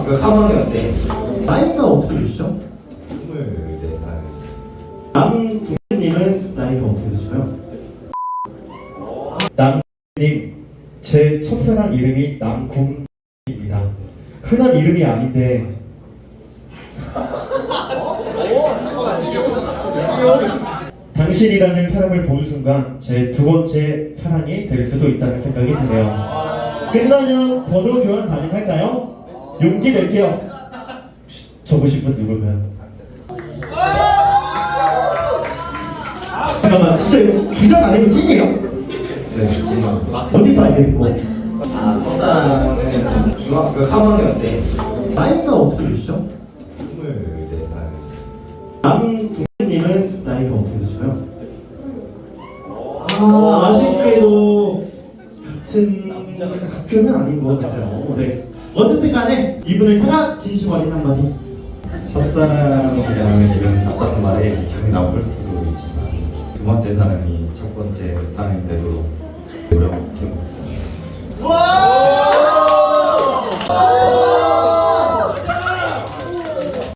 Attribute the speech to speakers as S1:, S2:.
S1: 중학교 3학년째.
S2: 나이가 어떻게 되시죠?
S1: 24살.
S2: 남국님은 나이가 어떻게 되시나요? 남국님, 제 첫사랑 이름이 남국입니다. 흔한 이름이 아닌데 당신이라는 사람을 본 순간 제 두 번째 사랑이 될 수도 있다는 생각이 드네요. 끝나면 번호 교환 가능할까요? 용기 낼게요. 적으신 분 누굴까요? 잠깐만, 진짜 이거 주작 아니고 찐이에요?
S1: 네, 지금.
S2: 어디서 알게 됐고?
S1: 첫사랑은 지금 중학교 3학년째.
S2: 나이가 어떻게 되시죠?
S1: 24살.
S2: 남국님은 나이가 어떻게 되시나요? 아쉽게도 같은 학교는 아닌 것 같아요. 네. 어쨌든 간에 이분을 향한 진심 어린 한마디.
S1: 첫사랑이라는 이런 답답한 말에 기억이 나올 수도 있지만 두 번째 사랑이 첫 번째 사랑이 되도록 노력해보겠습니다.